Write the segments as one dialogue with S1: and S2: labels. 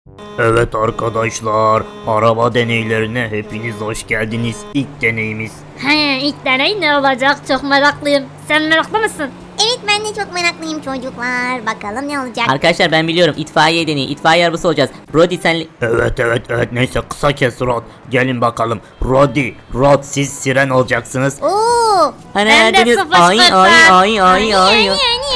S1: Evet arkadaşlar, araba deneylerine hepiniz hoş geldiniz. İlk deneyimiz.
S2: He, ilk deney ne olacak? Çok meraklıyım. Sen meraklı mısın?
S3: Evet, ben de çok meraklıyım çocuklar. Bakalım ne olacak.
S4: Arkadaşlar ben biliyorum, itfaiye deneyi, itfaiye arabası olacağız. Brody sen...
S1: Evet, neyse kısa kes Rod. Gelin bakalım. Rod siz siren olacaksınız.
S3: Oo.
S2: Ben de
S4: dönüyoruz.
S2: sıfır
S4: Ay
S2: sıfır.
S4: ay.
S3: Yani.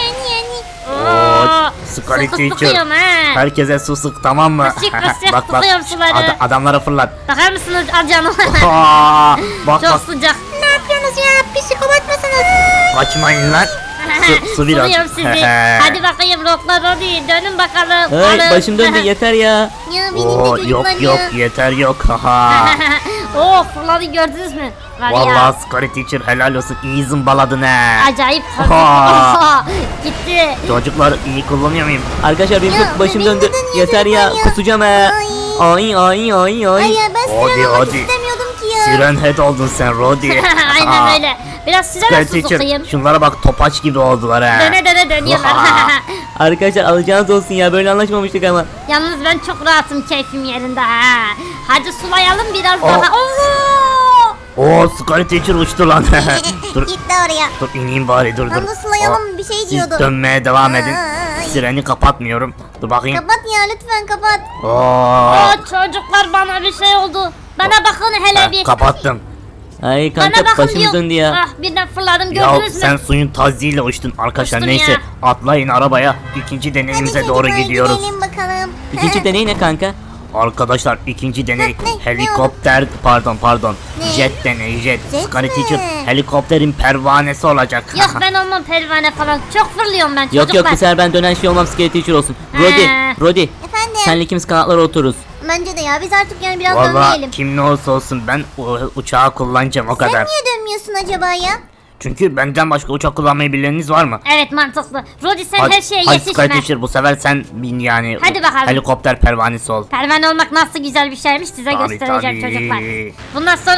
S1: Oo, Scary
S2: Sıkı
S1: Teacher.
S2: sıkıyorum he.
S1: Herkese su sık, tamam mı?
S2: Kısık sıkıyorum suları.
S1: Adamlara fırlat.
S2: Bakar mısınız canım?
S1: Aa, bak
S2: Çok
S1: bak,
S2: sıcak.
S3: Ne yapıyorsunuz ya? Psikopat mısınız?
S1: kaçmayın lan. Su biraz.
S2: Suluyorum sizi. Hadi bakayım Roklar hadi dönün bakalım.
S4: Ay
S2: Alın.
S4: başım döndü yeter ya.
S3: Ya benim de
S1: Oo,
S3: çocuklar
S1: yok
S3: ya.
S1: yeter yok. Haha.
S2: Oo fırladı gördünüz mü? Var ya.
S1: Vallahi Scary Teacher helal olsun, iyi zımbaladın he.
S2: Acayip
S1: Oha.
S2: tadı. Gitti.
S1: Çocuklar iyi kullanıyor muyum?
S4: Arkadaşlar benim
S3: Ya,
S4: çok başım
S3: benim
S4: döndü.
S3: neden
S4: Yeter ya,
S3: yazık ya?
S4: kusacağım he. Ay.
S3: Ay ya, ben
S1: Hadi,
S3: siren olmak
S1: hadi.
S3: istemiyordum ki ya.
S1: Siren head oldun sen Rodi.
S2: Aynen öyle. Biraz size
S1: Scary
S2: nasıl
S1: Teacher,
S2: sokayım?
S1: şunlara bak, topaç gibi oldular he.
S2: Döne dönüyorlar.
S4: Arkadaşlar alacağınız olsun ya, böyle anlaşmamıştık ama.
S2: Yalnız ben çok rahatım, keyfim yerinde ha. Hadi sulayalım biraz
S1: Oh.
S2: daha. Oo!
S1: Oo, Scary Teacher uçtu lan. dur
S3: Gitti oraya.
S1: dur ineyim bari, dur.
S3: Onu sulayalım, bir şey
S1: Siz
S3: diyordum.
S1: dönmeye devam edin.
S3: Ay.
S1: Sireni kapatmıyorum. Dur bakayım.
S3: Kapat ya, lütfen kapat.
S1: Oo.
S2: Aa, çocuklar bana bir şey oldu. Bana bakın hele
S1: Ha,
S2: bir.
S1: kapattım.
S4: Ay
S2: Bana
S4: kanka
S2: bakın
S4: başımız
S2: diyor.
S4: döndü ya.
S2: Ah birden fırladım
S1: Ya
S2: gördünüz mü?
S1: sen suyun taziyle uçtun arkadaşlar.
S2: Uçtum
S1: Neyse
S2: ya.
S1: atlayın arabaya. İkinci deneyimize
S3: Hadi
S1: doğru
S3: çocuklar,
S1: gidiyoruz.
S3: gidelim bakalım.
S4: İkinci deney ne kanka?
S1: Arkadaşlar ikinci deney
S3: Ne
S1: helikopter, pardon
S3: Ne?
S1: jet deneyi, jet.
S3: Jet
S1: Scary
S3: mi?
S1: Teacher helikopterin pervanesi olacak.
S2: Yok ben olmam pervane falan. Çok fırlıyorum ben
S4: Yok
S2: çocuklar.
S4: bu sefer ben dönen şey olmam, Scary Teacher olsun.
S2: He.
S4: Rodi
S3: Efendim.
S4: senle ikimiz kanatlara otururuz.
S3: Bence de ya, biz artık yani biraz
S1: Valla
S3: dönmeyelim.
S1: kim ne olursa olsun ben uçağı kullanacağım o
S3: Sen
S1: kadar.
S3: niye dönmüyorsun acaba ya?
S1: Çünkü benden başka uçak kullanmayı bileniniz var mı?
S2: Evet mantıklı. Rodi sen her şeye
S1: hadi Scary
S2: yetişme.
S1: Teacher, bu sefer sen bin yani.
S2: Hadi bakalım.
S1: Helikopter pervanesi ol.
S2: Pervane olmak nasıl güzel bir şeymiş size
S1: Tabii,
S2: göstereceğim
S1: tabii.
S2: çocuklar. Bundan sonra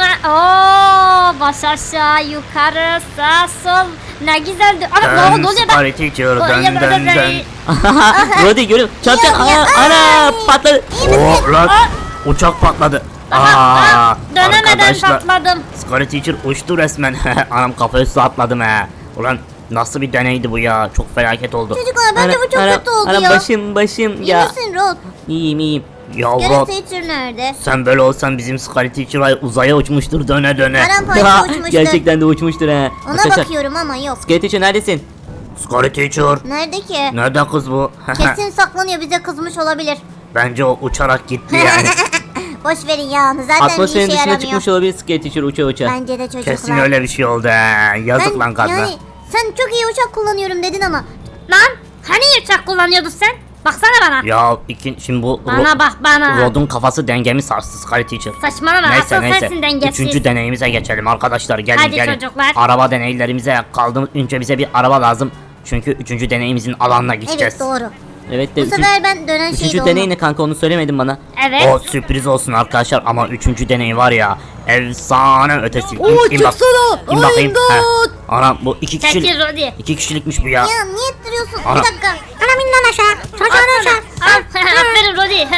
S2: ooo baş aşağı yukarı sağ sol ne güzeldi. Ana
S1: Dön
S2: ne oluyor be?
S1: Scary Teacher, dön.
S4: Rodi görüyorum. Çarpacak.
S3: Ya,
S4: Ana patladı.
S1: Oo, lan uçak patladı.
S2: Dönemeden
S1: arkadaşlar,
S2: patladım.
S1: Scary Teacher uçtu resmen. Anam kafaya su atladım he. Ulan nasıl bir deneydi bu ya? Çok felaket oldu.
S3: Çocuklar bence bu çok kötü oldu
S4: ana,
S3: ya.
S4: başım
S3: İyi
S4: ya.
S3: misin Rod?
S4: İyiyim.
S3: Scary
S1: Yavrum,
S3: Teacher nerede?
S1: sen böyle olsan bizim Scary Teacher uzaya uçmuştur döne.
S3: Paramparça uçmuştur.
S4: Gerçekten de uçmuştur ha.
S3: Ona
S4: Arkadaşlar,
S3: bakıyorum ama yok.
S4: Scary Teacher neredesin?
S1: Scary Teacher.
S3: Nerede ki?
S1: Nerede kız bu?
S3: Kesin saklanıyor, bize kızmış olabilir.
S1: Bence o uçarak gitti yani.
S3: Boş verin ya, zaten bir
S4: Atmosferin
S3: işe
S4: dışına
S3: yaramıyor.
S4: çıkmış olabilir Scary Teacher uça.
S3: Bence de çocuklar.
S1: Kesin öyle bir şey oldu he. Yazık
S3: Ben-
S1: lan kadına.
S3: Yani sen çok iyi uçak kullanıyorum dedin ama.
S2: Lan hani uçak kullanıyordun sen? Baksana bana.
S1: Ya şimdi bu
S2: Bana bak bana.
S1: Rod'un kafası dengemi sarstı Scary Teacher.
S2: Saçmalama asıl sensin dengesiz.
S1: Üçüncü deneyimize geçelim arkadaşlar. Gelin
S2: Hadi
S1: gelin.
S2: çocuklar.
S1: Araba deneylerimize kaldı. Önce bize bir araba lazım. Çünkü üçüncü deneyimizin alanına gideceğiz.
S3: Evet, doğru.
S4: Evet de
S3: Bu sefer ben dönen
S4: üçüncü
S3: şeyde
S4: deney
S3: olmam.
S4: ne kanka, onu söylemedin bana.
S2: Evet.
S1: O sürpriz olsun arkadaşlar ama üçüncü deney var ya, efsane ötesi.
S3: Oo,
S1: İn bak.
S3: çıksana.
S1: İn bakayım.
S3: İmdat.
S1: Heh. Anam bu iki
S2: Çekil
S1: kişilik.
S2: Rodi.
S1: 2 kişilikmiş bu ya.
S3: Ya niye ettiriyorsun?
S1: Ana.
S3: Bir dakika. Anam inden aşağı. Çocuğun aşağı.
S2: Aferin Rodi.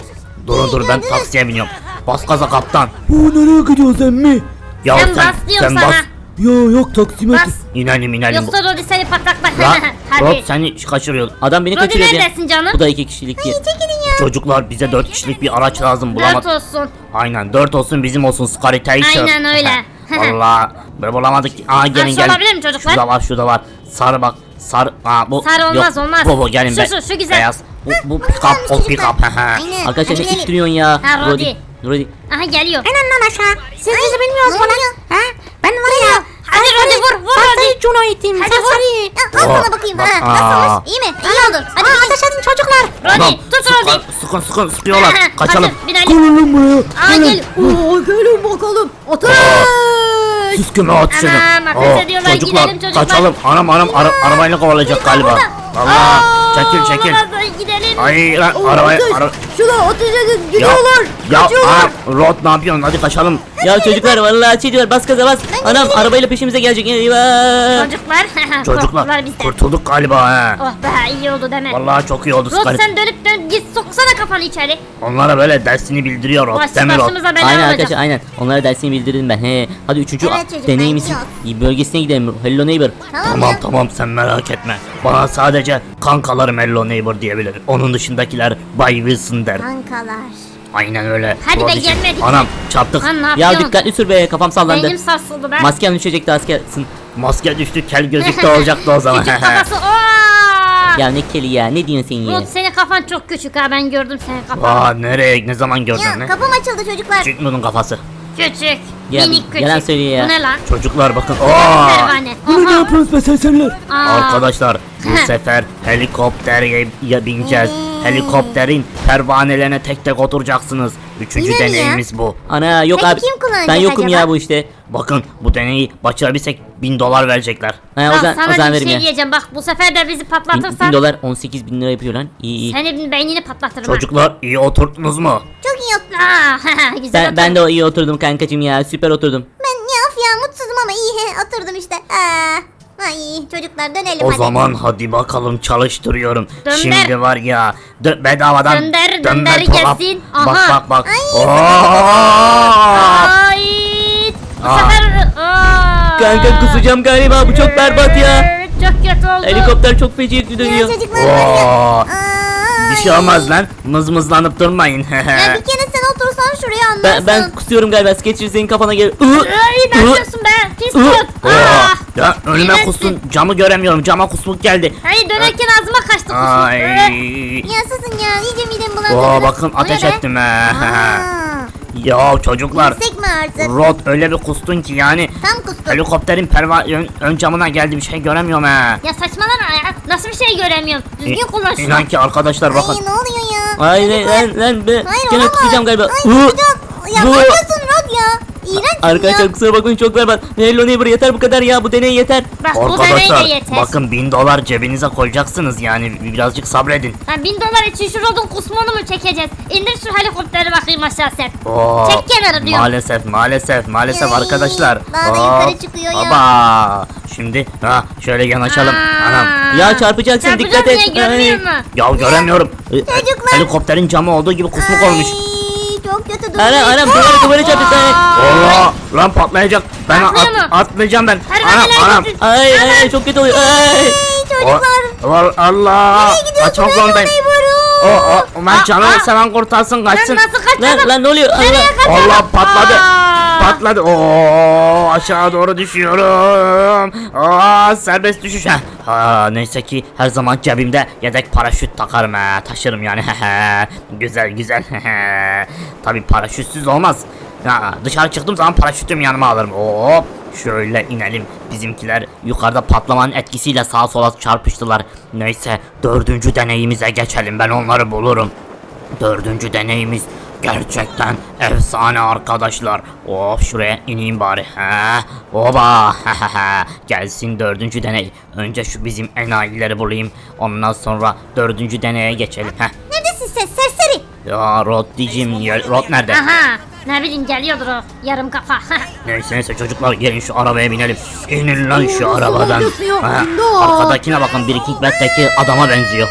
S1: Dur ben taksiye biniyorum. Bas gaza kaptan.
S5: Nereye gidiyorsun emmi?
S1: Ya
S2: Sen bas diyorum sana.
S5: Ya yok taksimet.
S2: Bas.
S1: İnelim.
S2: Yoksa Rodi seni pataklar.
S1: Lan Rod
S2: Hadi.
S1: seni kaçırıyor.
S4: Adam beni
S2: Rodi
S4: kaçırıyor ya.
S2: neredesin canım?
S4: Bu da 2 kişilik diye.
S3: Çekilin ya.
S1: Çocuklar bize 4 kişilik bir araç lazım,
S2: 4
S1: bulamadık.
S2: olsun.
S1: Aynen 4 olsun, bizim olsun Scary Teacher.
S2: Aynen öyle.
S1: Valla böyle bulamadık. Aa gelin
S2: Aç
S1: gelin.
S2: olabilir mi çocuklar?
S1: Şurada var. Sarı bak. Sarı. Bu.
S2: Sarı olmaz,
S1: yok.
S2: olmaz.
S1: Bu gelin
S2: Şu,
S1: be.
S2: şu güzel.
S1: Beyaz. Bu pick up, o pick up.
S3: Aynen.
S4: Arkadaşlar
S3: Hadi
S4: ne
S3: gidelim.
S4: ittiriyorsun ya?
S2: Ha, Rodi.
S4: Rodi.
S2: Aha geliyor.
S3: İnden aşağı. Siz bizi bilmiyorsunuz bana. Ha? Ben var ya.
S2: Hadi Rodi vur Rodi.
S3: Cuna ittim.
S2: Hadi vur.
S3: Al
S1: Oh,
S3: sana bakayım.
S1: bak,
S3: Ha, nasılmış? İyi mi? İyi oldu. Hadi ateş edin çocuklar.
S2: Rodi tut Rodi.
S1: Sıkıyorlar. Kaçalım.
S2: Hadi binelim.
S5: Gelin lan buraya.
S2: Aa gel.
S3: Oo, gelin bakalım. Otur.
S1: Siz kime atışını?
S2: Anam, ateş ediyorlar. Gidelim çocuklar.
S1: Kaçalım. Anam arabayla kovalayacak galiba. Valla. Çekil.
S2: Olamaz, gidelim.
S1: Ay lan
S3: Şuna ateş edin
S1: Ya,
S3: gidiyorlar.
S1: ya
S3: Kaçıyorlar.
S1: Rod ne yapıyorsun? Hadi kaçalım.
S4: Ya çocuklar vallahi çiğdiyor bas gaza bas. Anam arabayla peşimize gelecek. Eyvah.
S2: Çocuklar.
S1: Çocuklar
S2: korktular bizden.
S1: kurtulduk galiba he.
S2: Oh be iyi oldu deme.
S1: Vallahi çok iyi oldu
S2: Rod
S1: Scarlet.
S2: sen dönüp dön git soksana kafanı içeri.
S1: Onlara böyle dersini bildiriyor Rod. Değil mi Rod?
S2: Başımıza bela
S4: Aynen
S2: olacak.
S4: arkadaşlar aynen. Onlara dersini bildirdim ben. He. Hadi üçüncü
S3: Evet çocuklar,
S4: deneyimizin bölgesine gidelim. Hello neighbor.
S1: Tamam tamam sen merak etme. Bana sadece kankalarım Hello Neighbor diyebilir. Onun dışındakiler Bay Wilson der.
S3: Kankalar.
S1: Aynen öyle.
S2: Hadi be,
S1: Rodicim.
S2: gelmedik.
S1: Anam çarptık.
S2: Lan ne
S4: Ya
S2: yapıyorsun?
S4: dikkatli sür be kafam sallandı.
S2: Beynim sarsıldı be.
S4: Maskem düşecekti askersin.
S1: Maske düştü kel gözlük de olacaktı o zaman.
S2: Küçük kafası. Aa!
S4: Ya ne keli ya ne diyorsun sen ya?
S2: Rod senin kafan çok küçük ha ben gördüm senin kafanı.
S1: Aa nereye ne zaman gördün
S3: Ya
S1: ne?
S3: kapım açıldı çocuklar.
S1: Küçük bunun kafası.
S2: Küçük.
S4: Ya,
S2: Minik küçük.
S4: yalan söylüyor ya.
S2: Bu ne lan?
S1: Çocuklar bakın. Aa!
S2: Pervane.
S5: Bunu ne
S2: Oha.
S5: yapıyorsunuz be sersemler?
S2: Aa.
S1: Arkadaşlar bu sefer helikoptere bineceğiz. Helikopterin pervanelerine tek tek oturacaksınız. Üçüncü
S3: Yine mi ya?
S1: deneyimiz bu.
S4: Ana yok
S3: Peki
S4: abi.
S3: kim kullanacak
S4: Ben yokum
S3: acaba?
S4: ya bu işte.
S1: Bakın bu deneyi başarabilsek $1000 verecekler.
S4: Ha,
S2: Bak
S4: o zaman
S2: sana bir
S4: verim
S2: şey
S4: ya.
S2: diyeceğim bak bu sefer de bizi
S4: 1000
S2: patlatırsan
S4: dolar 18.000 lira yapıyor lan. İyi iyi.
S2: senin beynini patlatırım.
S1: Çocuklar iyi oturttunuz mu?
S3: Çok iyi otur.
S2: Aa, güzel
S4: Ben de iyi oturdum kankacım ya süper oturdum.
S3: Ben ya of ya mutsuzum ama iyi oturdum işte. Ay çocuklar dönelim
S1: O
S3: hadi.
S1: zaman hadi bakalım çalıştırıyorum.
S2: Dönder.
S1: Şimdi var ya bedavadan
S2: Dönder,
S1: dönme
S2: dönder
S1: dolap.
S2: gelsin.
S1: Bak
S2: Aha.
S1: bak bak.
S3: Ay.
S1: Aa!
S2: Ay. Bu
S1: Aa.
S2: sefer
S4: Kanka kusacağım galiba bu çok berbat ya.
S2: Çok kötü oldu.
S4: Helikopter çok feci
S3: Ya
S4: dönüyor.
S3: çocuklar var ya.
S1: Oo,
S3: Aa,
S1: bir şey olmaz lan. Mızmızlanıp durmayın.
S3: Ya bir kere sen otursan şuraya anlarsın.
S4: Ben kusuyorum galiba. Sketcher senin kafana gel.
S2: Ay ne yapıyorsun be? Pis kurt.
S1: Oo, ya önüme
S2: İğrençsin.
S1: kustun. Camı göremiyorum. Cama kusmuk geldi.
S2: Hayır dönerken ağzıma kaçtı kusur.
S1: Ay.
S3: Ya susun ya iyice midem bulandı.
S1: Oo,
S3: biraz.
S1: bakın
S3: O ne
S1: ateş
S3: be?
S1: ettim he.
S3: Aa,
S1: Ya çocuklar.
S3: Yüksek mi artık?
S1: Rod öyle bir kustun ki yani
S3: Tam kustum.
S1: helikopterin ön camına geldi bir şey göremiyorum he.
S2: Ya saçmalama ya. Nasıl bir şey göremiyorum. Düzgün kullan şunu.
S1: İnan ki arkadaşlar bakın.
S3: Ay ne oluyor ya?
S4: Ay
S3: Çocuklar.
S4: lan be.
S3: Hayır
S4: Gene
S3: olamaz.
S4: kusacağım galiba.
S3: Ay
S4: Iı,
S3: kusacağım. Ya
S4: bu-
S3: ne yapıyorsun Rod ya? İğrençsin
S4: Arkadaşlar
S3: ya.
S4: kusura bakmayın çok berbat. Hello neighbor yeter bu kadar ya bu deney yeter.
S2: Bak bu deney
S1: Arkadaşlar
S2: de yeter.
S1: bakın $1000 cebinize koyacaksınız yani birazcık sabredin.
S2: Ha, $1000 için şu Rod'un kusmunu mu çekeceğiz? İndir şu helikopteri bakayım aşağı sen.
S1: Oo,
S2: Çek kenara diyorum.
S1: maalesef
S3: Ay,
S1: arkadaşlar.
S3: daha da
S1: Hop,
S3: yukarı çıkıyor ya.
S1: Baba. Şimdi şöyle yanaşalım.
S2: Aa.
S1: Anam.
S4: Ya çarpacaksın dikkat
S2: Çarpacağım
S4: et.
S2: niye görmüyor
S4: Ay.
S2: musun?
S1: Ya göremiyorum.
S3: Çocuklar.
S1: Helikopterin camı olduğu gibi kusmuk olmuş.
S3: Ay çok kötü duruyor.
S4: Anam duvara çarptı.
S1: Allah lan patlayacak. Ben
S2: Patlıyor mu?
S1: atlayacağım ben.
S2: Pervaneler
S1: Anam.
S2: getir.
S4: Ay çok kötü oluyor. Ay.
S3: Ay çocuklar.
S1: Allah.
S3: Nereye gidiyorsun?
S1: Kaçmak zorundayım. Ben canı
S2: Aa.
S1: seven kurtarsın
S2: Ben
S1: kaçsın.
S2: nasıl kaçarım?
S4: Lan ne oluyor?
S2: Nereye
S4: Allah.
S2: kaçarım?
S1: Allah patladı.
S2: Aa.
S1: Patladı. Oo aşağı doğru düşüyorum. Serbest düşüş. Neyse ki her zaman cebimde yedek paraşüt takarım taşırım yani. Güzel. Tabii paraşütsüz olmaz. Dışarı çıktığım zaman paraşütümü yanıma alırım. Hop şöyle inelim. Bizimkiler yukarıda patlamanın etkisiyle sağa sola çarpıştılar. Neyse 4. deneyimize geçelim. Ben onları bulurum. 4. deneyimiz gerçekten efsane arkadaşlar. Of şuraya ineyim bari. Oba. Gelsin 4. deney. Önce şu bizim enayileri bulayım. Ondan sonra 4. deneye geçelim.
S3: Neredesin sen serseri?
S1: Ya Rod diyeceğim. Rod nerede?
S2: Aha. Ne bileyim geliyordur o yarım kafa.
S1: Neyse çocuklar gelin şu arabaya binelim. İnin lan şu arabadan.
S3: faydası yok,
S1: Ha,
S3: imdat.
S1: arkadakine bakın Breaking Bad'deki adama benziyor.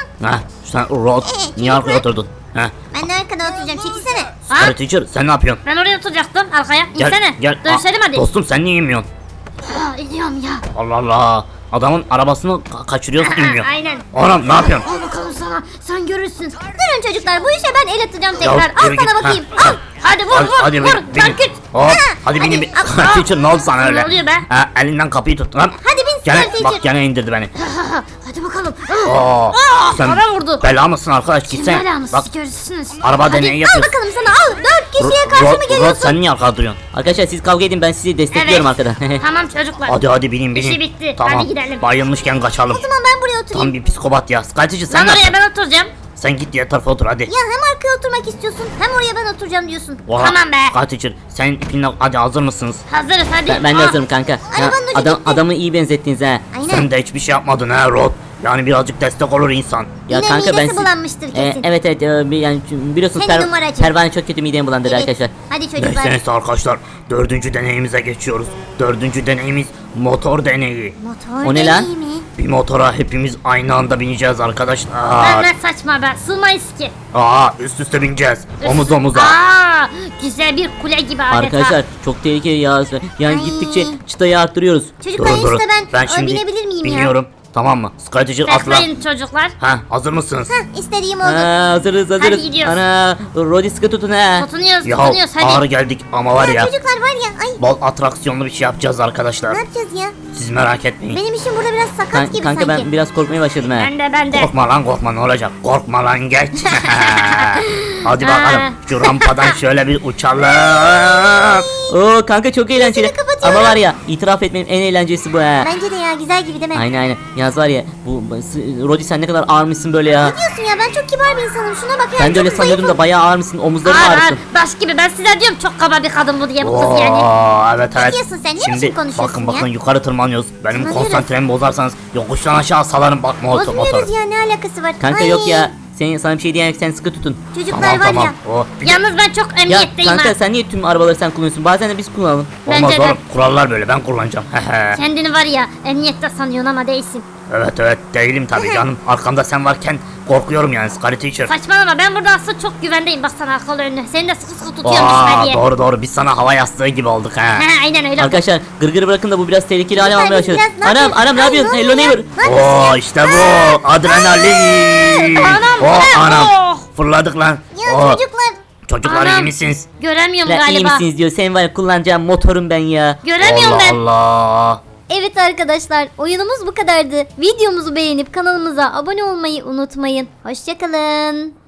S1: Sen Rod niye arkaya oturdun?
S3: Ben de arkada oturacağım çekilsene.
S1: Scarlet Teacher sen ne yapıyorsun?
S2: Ben oraya oturacaktım arkaya. İnsene. Dönüşelim hadi.
S1: Dostum sen niye inmiyorsun?
S2: İniyorum ya.
S1: Allah Allah. Adamın arabasını kaçırıyorsun inmiyor.
S2: Aynen.
S1: Oğlum ne yapıyorsun?
S2: Al bakalım sana. Sen görürsün.
S3: Durun çocuklar bu işe ben el atacağım tekrar. Al
S1: yürü git.
S3: sana bakayım.
S1: Ha,
S3: Al.
S2: Hadi vur vur vur.
S1: binin.
S2: Sarkıt.
S1: Hop, hadi
S3: hadi,
S1: binin.
S3: al.
S1: Scarlet Teacher ne oldu sana öyle?
S2: Ne oluyor be?
S1: Elinden kapıyı tut lan.
S3: Hadi bin
S1: Gene,
S3: Scarlet Teacher.
S1: bak gene indirdi beni.
S2: Hadi bakalım.
S1: Sen
S2: bana vurdu.
S1: bela mısın arkadaş
S2: Kim
S1: gitsene.
S2: belamız
S1: Bak
S2: görürsünüz.
S1: araba
S2: Hadi,
S1: deneyi
S3: Al
S1: yapıyorsun.
S3: bakalım sana al. 4 kişiye karşı mı
S1: Rod
S3: geliyorsun?
S1: sen niye arkada duruyorsun?
S4: Arkadaşlar siz kavga edin ben sizi destekliyorum
S2: Evet.
S4: arkadan.
S2: Tamam çocuklar.
S1: Hadi binin.
S2: İşi bitti.
S1: Tamam.
S2: Hadi gidelim.
S1: Bayılmışken kaçalım.
S3: Tamam ben buraya oturayım.
S1: Tam bir psikopat ya. Scarlet Teacher sen
S2: Lan
S1: ne
S2: oraya
S1: yapıyorsun?
S2: ben oturacağım.
S1: Sen git diğer tarafa otur hadi.
S3: Ya hem arkaya oturmak istiyorsun hem oraya ben oturacağım diyorsun.
S1: Oha,
S2: Tamam be.
S1: Scarlet Teacher sen ipinle hadi hazır mısınız?
S2: Hazırız hadi.
S4: Ben de
S2: Ah,
S4: hazırım kanka.
S3: Arabanın ucu gitti.
S4: Adamı iyi benzettiniz ha.
S3: Aynen.
S1: Sen de hiçbir şey yapmadın ha Rod. Yani birazcık destek olur insan.
S4: Ya
S3: Yine
S4: kanka ben
S3: midesi bulanmıştır kesin.
S4: evet yani biliyorsunuz
S3: Sen numaracı.
S4: pervane çok kötü midemi bulandırdı
S3: Evet.
S4: arkadaşlar.
S3: Hadi çocuklar.
S1: Neyse arkadaşlar 4. deneyimize geçiyoruz. 4. deneyimiz motor deneyi.
S3: Motor
S4: O ne lan?
S3: deneyi mi?
S1: Bir motora hepimiz aynı anda bineceğiz arkadaşlar.
S2: Ben saçma be. Sığmayız ki.
S1: Üst üste bineceğiz. Omuz omuza.
S2: Aa, güzel bir kule gibi adeta.
S4: Arkadaşlar çok tehlikeli ya. Yani
S3: Ay.
S4: gittikçe çıtayı arttırıyoruz.
S3: Çocuklar en üstte ben
S1: şimdi
S3: binebilir miyim ya?
S1: biniyorum. Tamam mı? Strateji atla.
S2: Bekleyin çocuklar.
S1: Hazır mısınız?
S3: Hah istediğim oldu.
S4: Hazırız.
S2: Hadi gidiyoruz.
S4: Ana Rodi sıkı tutun ha.
S2: Tutunuyoruz
S1: Ya
S2: tutunuyoruz
S1: ağır
S2: hadi.
S1: geldik ama var ya.
S3: Çocuklar var ya ay
S1: Bol atraksiyonlu bir şey yapacağız arkadaşlar.
S3: ne yapacağız ya?
S1: Siz merak etmeyin.
S3: Benim işim burada biraz sakat gibi
S4: Kanka
S3: sanki.
S4: ben biraz korkmaya başladım ha.
S2: Ben de.
S1: Korkma lan korkma ne olacak? Korkma lan geç. Hadi bakalım şu rampadan şöyle bir uçalım.
S4: Oo kanka çok eğlenceli.
S3: kapatıyorum.
S4: Ama var ya itiraf etmem en eğlencelisi bu ha.
S3: Bence de ya güzel gibi değil mi?
S4: Aynen. Yaz var ya Rodi sen ne kadar ağırmışsın böyle ya.
S3: Ne diyorsun ya ben çok kibar bir insanım şuna bak ya.
S4: Ben de öyle
S3: çok
S4: sanıyordum da
S3: zayıfım.
S4: bayağı ağırmışsın. Omuzların
S2: Ağır
S4: ağrısın.
S2: ağır. Baş gibi ben size diyorum çok kaba bir kadın bu diye bu kız yani.
S1: Evet
S3: Ne
S1: evet.
S3: diyorsun sen? Ne
S1: Şimdi
S3: biçim konuşuyorsun
S1: bakın
S3: ya?
S1: yukarı tırmanıyoruz. Benim
S3: Tırmanıyoruz.
S1: konsantremi bozarsanız yokuştan aşağı salarım bak motor.
S3: Bozmuyoruz ya ne alakası var?
S4: Kanka
S3: Ay,
S4: yok ya. Sana bir şey diyemem sen sıkı tutun.
S3: Çocuklar var ya.
S2: Yalnız ben çok
S4: Ya
S2: emniyetteyim
S4: kanka
S2: ha.
S4: sen niye tüm arabaları sen kullanıyorsun? Bazen de biz kullanalım.
S1: Olmaz
S2: Bence de.
S1: oğlum kurallar böyle ben kullanacağım.
S2: Kendini var ya emniyette sanıyorsun ama değilsin.
S1: Evet değilim tabii canım. Arkamda sen varken korkuyorum yani Scary Teacher.
S2: Saçmalama ben burada aslında çok güvendeyim. Baksana arkalı önüne. Seni de sıkı sıkı tutuyorum düşme diye.
S1: Doğru biz sana hava yastığı gibi olduk ha.
S2: He aynen öyle.
S4: Arkadaşlar gırgırı bırakın da bu biraz tehlikeli hale
S3: Lütfen
S4: almaya
S3: biz
S4: başladı.
S3: biraz ne yapıyoruz?
S4: Anam ne
S3: Ay,
S4: yapıyorsun?
S3: ne
S4: Hello
S3: oluyor
S4: neighbor.
S3: ya? Ne yapıyorsun ya?
S1: İşte bu adrenalin.
S2: Anam,
S1: Oh
S2: bu ne?
S1: anam
S2: Oh.
S1: fırladık lan.
S3: Ya
S1: Oh,
S3: çocuklar.
S1: Çocuklar iyi
S2: Anam.
S1: misiniz?
S2: Göremiyorum
S4: Lan iyi
S2: galiba.
S4: misiniz diyor. Sen var ya kullanacağım motorum ben ya.
S2: Göremiyorum ben.
S1: Allah.
S3: Evet arkadaşlar oyunumuz bu kadardı. Videomuzu beğenip kanalımıza abone olmayı unutmayın. Hoşçakalın.